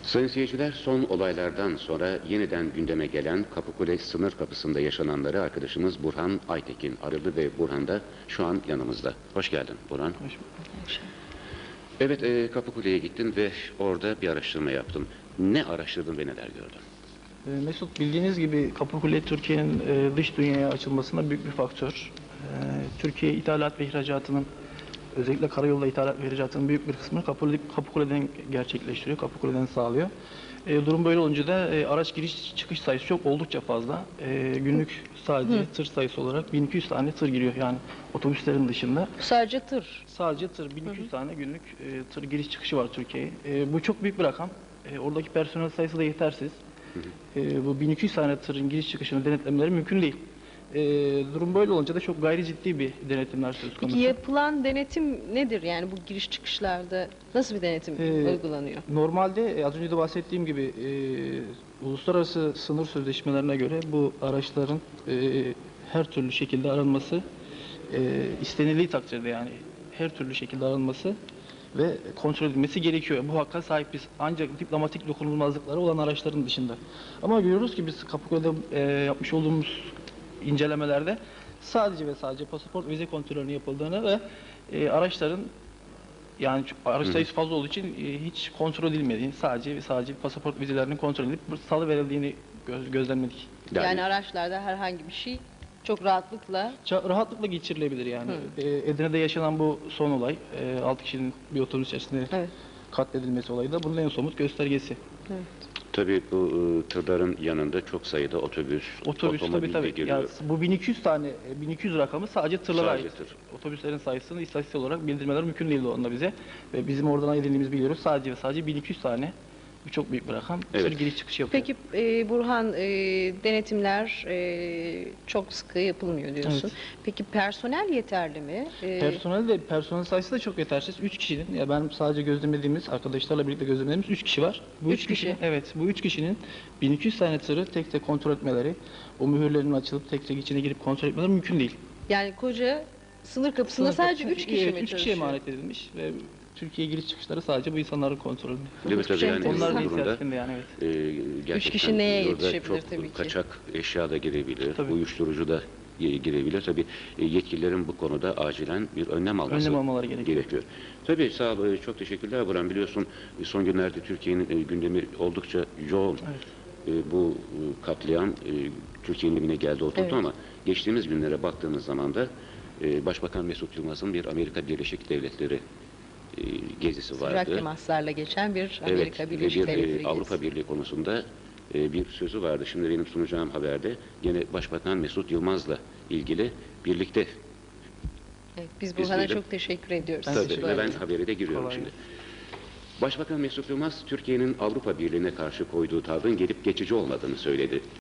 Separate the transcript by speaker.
Speaker 1: Sayın seyirciler, son olaylardan sonra yeniden gündeme gelen Kapıkule sınır kapısında yaşananları arkadaşımız Burhan Aytekin aradı ve Burhan da şu an yanımızda. Hoş geldin Burhan.
Speaker 2: Hoş bulduk.
Speaker 1: Evet, Kapıkule'ye gittin ve orada bir araştırma yaptın. Ne araştırdın ve neler gördün?
Speaker 2: Mesut, bildiğiniz gibi Kapıkule Türkiye'nin dış dünyaya açılmasında büyük bir faktör. Türkiye ithalat ve ihracatının, özellikle karayolda ithalat ve ihracatının büyük bir kısmını Kapıkule'den gerçekleştiriyor, Kapıkule'den sağlıyor. Durum böyle olunca da araç giriş çıkış sayısı çok oldukça fazla. Günlük sadece tır sayısı olarak 1200 tane tır giriyor, yani otobüslerin dışında.
Speaker 3: Sadece tır.
Speaker 2: Sadece tır, 1200 tane günlük tır giriş çıkışı var Türkiye'ye. Bu çok büyük bir rakam. Oradaki personel sayısı da yetersiz. Bu 1200 tane tırın giriş çıkışını denetlemeleri mümkün değil. Durum böyle olunca da çok gayri ciddi bir denetimler söz konusu.
Speaker 3: Peki yapılan denetim nedir? Yani bu giriş çıkışlarda nasıl bir denetim uygulanıyor?
Speaker 2: Normalde az önce de bahsettiğim gibi uluslararası sınır sözleşmelerine göre bu araçların her türlü şekilde aranması istenildiği takdirde, yani her türlü şekilde aranması ve kontrol edilmesi gerekiyor. Bu hakka sahibiz. Ancak diplomatik dokunulmazlıkları olan araçların dışında. Ama görüyoruz ki biz Kapıkule'de yapmış olduğumuz incelemelerde sadece ve sadece pasaport vize kontrolünün yapıldığını ve araçların, yani araç sayısı fazla olduğu için hiç kontrol edilmediğini, sadece ve sadece pasaport vizelerinin kontrol edilip salı verildiğini gözlemledik.
Speaker 3: Yani araçlarda herhangi bir şey çok rahatlıkla
Speaker 2: Rahatlıkla geçirilebilir yani. Edirne'de yaşanan bu son olay, 6 kişinin bir otobüs içerisinde katledilmesi olayı da bunun en somut göstergesi.
Speaker 3: Evet.
Speaker 1: Tabii bu tırların yanında çok sayıda otobüs otomobil de geliyor.
Speaker 2: Ya, bu 1200 tane, 1200 rakamı sadece tırlara
Speaker 1: Sadece
Speaker 2: ait.
Speaker 1: tır.
Speaker 2: Otobüslerin sayısını istatistik olarak bildirmeler mümkün değildi onda bize. Ve bizim oradan edindiğimiz biliyoruz, sadece ve sadece 1200 tane. Bu çok büyük bir rakam.
Speaker 1: Evet.
Speaker 2: Tır giriş çıkış yapıyor.
Speaker 3: Peki Burhan, denetimler çok sıkı yapılmıyor diyorsun.
Speaker 2: Evet.
Speaker 3: Peki personel yeterli mi?
Speaker 2: Personel sayısı da çok yetersiz. 3 kişinin, ya ben sadece gözlemlediğimiz, arkadaşlarla birlikte gözlemlediğimiz 3 kişi var. Bu
Speaker 3: 3 kişi.
Speaker 2: Evet, bu 3 kişinin 1200 tane tırı tek tek kontrol etmeleri, o mühürlerin açılıp tek tek içine girip kontrol etmeleri mümkün değil.
Speaker 3: Yani koca sınır kapısında sadece 3 kişi mi
Speaker 2: 3 kişiye
Speaker 3: çalışıyor?
Speaker 2: emanet edilmiş ve Türkiye'ye giriş çıkışları sadece bu insanların kontrolünde.
Speaker 1: Değil mi? Tabii
Speaker 3: şey
Speaker 1: yani
Speaker 2: Onlar da
Speaker 1: bu durumda
Speaker 2: içerisinde yani, evet.
Speaker 1: gerçekten
Speaker 3: Üç kişi neye
Speaker 1: orada
Speaker 3: yetişebilir
Speaker 1: çok
Speaker 3: tabii ki?
Speaker 1: kaçak eşya da girebilir,
Speaker 2: Tabii.
Speaker 1: uyuşturucu da girebilir. Tabii yetkililerin bu konuda acilen bir önlem
Speaker 2: almaları gerekiyor.
Speaker 1: Tabii sağ ol, çok teşekkürler Burhan. Biliyorsun son günlerde Türkiye'nin gündemi oldukça yoğun.
Speaker 2: Evet.
Speaker 1: Bu katliam Türkiye'nin evine geldi oturdu,
Speaker 3: Evet.
Speaker 1: ama geçtiğimiz günlere baktığımız zaman da Başbakan Mesut Yılmaz'ın bir Amerika Birleşik Devletleri gezisi vardı.
Speaker 3: Sıcak temaslarla geçen bir Amerika
Speaker 1: Evet,
Speaker 3: Birleşik
Speaker 1: ve
Speaker 3: Devletleri
Speaker 1: bir
Speaker 3: gezisi.
Speaker 1: Avrupa Birliği konusunda bir sözü vardı. Şimdi benim sunacağım haberde yine Başbakan Mesut Yılmaz'la ilgili birlikte.
Speaker 3: Evet, biz Burhan'a
Speaker 1: diyelim.
Speaker 3: çok teşekkür ediyoruz.
Speaker 1: Tabii,
Speaker 3: Bu
Speaker 1: ve ben
Speaker 3: arada.
Speaker 1: habere de giriyorum
Speaker 2: Kolay
Speaker 1: şimdi.
Speaker 2: gelsin.
Speaker 1: Başbakan Mesut Yılmaz, Türkiye'nin Avrupa Birliği'ne karşı koyduğu tavrın gelip geçici olmadığını söyledi.